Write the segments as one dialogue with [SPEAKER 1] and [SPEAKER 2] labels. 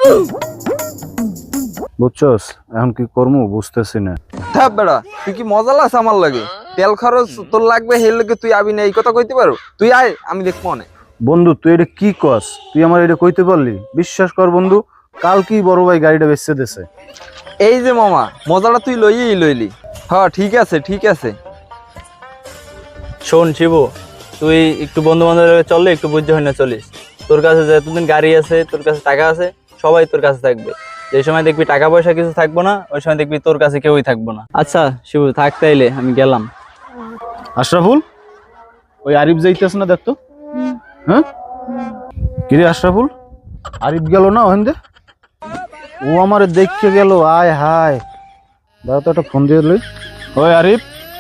[SPEAKER 1] বুঝছস এখন কি করবো বুঝতেছি না।
[SPEAKER 2] থাক বেড়া, তুই কি মজা লাস আমার লাগে? তেল খরচ তোর লাগবে, হের লাগে তুই আবি না, এই কথা কইতে পারো? তুই আয়, আমি দেখবো অনেক।
[SPEAKER 1] বন্ধু তুই এটা কি কস? তুই আমার এটা কইতে পারলি? বিশ্বাস কর বন্ধু, কাল কি বড় ভাই গাড়িটা বেচতে দেছে।
[SPEAKER 2] এই যে মামা, মজাটা তুই লইলি। হ্যাঁ ঠিক আছে ঠিক আছে।
[SPEAKER 3] শোন শিবু, তুই একটু বন্ধু বান্ধব চললে একটু বুঝতে হয় না চলিস। তোর কাছে যতদিন গাড়ি আছে, তোর কাছে টাকা আছে, সবাই তোর কাছে থাকবে। যে সময় দেখবি টাকা পয়সা কিছু থাকবো না, ওই সময় দেখবি তোর কাছে কেউই থাকবো না। আচ্ছা শিবু থাক তাইলে, আমি গেলাম।
[SPEAKER 1] আশরাফুল, ওই আরিফ যাইতেছ না দেখতো। হ্যাঁ কিরে আশরাফুল, আরিফ গেল না ওখান দিয়ে? ও আমার দেখে গেল। আয় হায়, দাদা তো একটা ফোন দিয়ে লই। ওই আরিফ,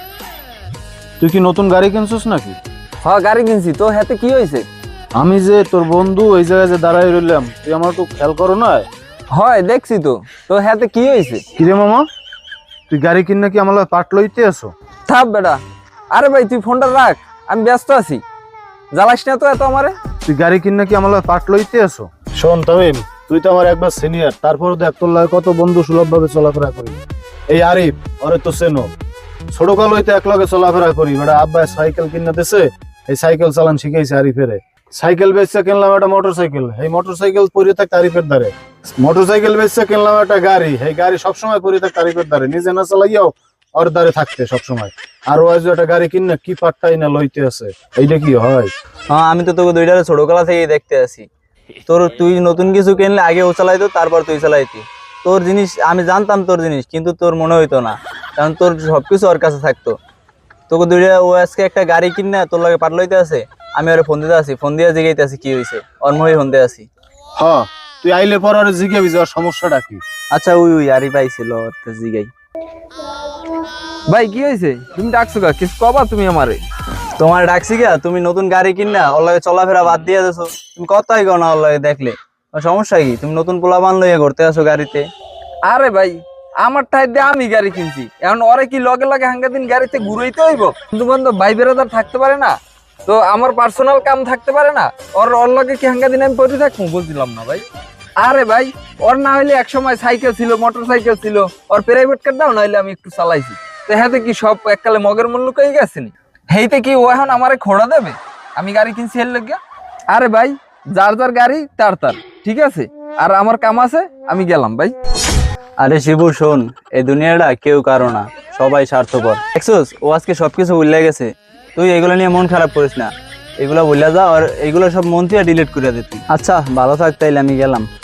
[SPEAKER 1] তুই কি নতুন গাড়ি কিনছিস নাকি?
[SPEAKER 2] হ্যাঁ গাড়ি কিনছি। তো হাতে কি হয়েছে?
[SPEAKER 1] আমি যে তোর বন্ধু ওই জায়গায় যে দাঁড়াই রইলাম, তুই আমার একটু খেয়াল করো না।
[SPEAKER 2] হয় দেখছি তো। তো হাতে কি হয়েছে?
[SPEAKER 1] কিরে মামা, তুই গাড়ি কিন নাকি আমার পাট লইতে আসো?
[SPEAKER 2] থাক বেড়া। আরে ভাই তুই ফোনটা রাখ, আমি ব্যস্ত আছি। জ্বালাস না তো এত আমারে।
[SPEAKER 1] তুই গাড়ি কিন নাকি আমার পাট লইতে আসো? শোন তামিম, তুই তো আমার একবার সিনিয়র, তারপরে দেখ তোর লাগে কত বন্ধু সুলভ ভাবে চলাফেরা করি। এই আরিফ, ওরে তো চেনো, ছোট কাল হইতে এক লগে চলাফেরা করি। বেটা আব্বা সাইকেল কিনা দিছে, এই সাইকেল চালান শিখাইছে আরিফেরে। সাইকেল বেচছে কিনলাম একটা মোটর সাইকেল, এই মোটর সাইকেল পরে থাকতে আরিফের দ্বারে। মোটর সাইকেল বেচছে কিনলাম একটা গাড়ি, এই গাড়ি সবসময় পরে থাকতে আরিফের দ্বারে, নিজে না চালাইয়াও ওর দ্বারে থাকতে সবসময়। আর ও আজ একটা গাড়ি কিনে কি পাট্টাই না লইতে আছে, এইটা কি হয়?
[SPEAKER 3] হ্যাঁ আমি তো তোকে দুইটারে ছোটবেলা থেকেই দেখতে আসি। তুই নতুন কিছু কিনলে আগে ও চালাইতো, তারপর তুই চালাইতি। তোর জিনিস আমি জানতাম তোর জিনিস, কিন্তু তোর মনে হইতো না, কারণ তোর সবকিছু ওর কাছে থাকতো। তোকে দুইটা ও আজকে একটা গাড়ি কিনে তোর লাগে পাট লইতে আছে, আমি ওরে ফোন দিতে আসি, ফোন দিয়ে জিগাইতে আসি কি হয়েছে, ওর মুখে ফোন দিয়ে আসি।
[SPEAKER 1] হ্যাঁ তুই আইলে পর আর জিজ্ঞাবি যাওয়ার সমস্যাটা কি।
[SPEAKER 3] আচ্ছা ওই আরি পাইছিল জিগাই।
[SPEAKER 2] ভাই কি হয়েছে? তুমি ডাকছো কা? কিছু কবা তুমি আমারে?
[SPEAKER 3] তোমার ডাকছি গা, তুমি নতুন গাড়ি কিনা ওর লাগে চলাফেরা বাদ দিয়ে দেছো। তুমি কথাই কও না ওর লাগে দেখলে। তোমার সমস্যা কি? তুমি নতুন পোলাপান লইয়া ঘুরতে আসো গাড়িতে।
[SPEAKER 2] আরে ভাই, আমার ঠাই দিয়ে আমি গাড়ি কিনছি, এখন ওরে কি লগে লগে হাঙ্গা দিন গাড়িতে ঘুরাইতে হইব? বন্ধু বান্ধব ভাই বেড়াদার থাকতে পারে না? তো আমার পার্সোনাল কাম থাকতে পারে না? ওর লগে কি হাঙ্গা দিন আমি পড়ে থাকবো? বুঝলাম না ভাই। আরে ভাই, ওর না হইলে এক সময় সাইকেল ছিল, মোটর সাইকেল ছিল, ওর প্রাইভেট কার দাও, নাহলে আমি একটু চালাইছি। তো হাতে কি সব এককালে মগের মূল্য কই গেছেনি? হেইতে কি ও এখন আমারে খোড়া দেবে? আমি গাড়ি কিনছি এর লগে। আরে ভাই, যার যার গাড়ি তার তার, ঠিক আছে? আর আমার কাম আছে, আমি গেলাম ভাই।
[SPEAKER 3] আরে শিবু শোন, এই দুনিয়াটা কেউ কারো না, সবাই স্বার্থপর। দেখছোস ও আজকে সবকিছু ভুলে গেছে। তুই এগুলো নিয়ে মন খারাপ করিস না, এগুলো ভুলে যা, আর এগুলো সব মন থেকে ডিলিট করে দে তুই। আচ্ছা ভালো থাক তাইলে, আমি গেলাম।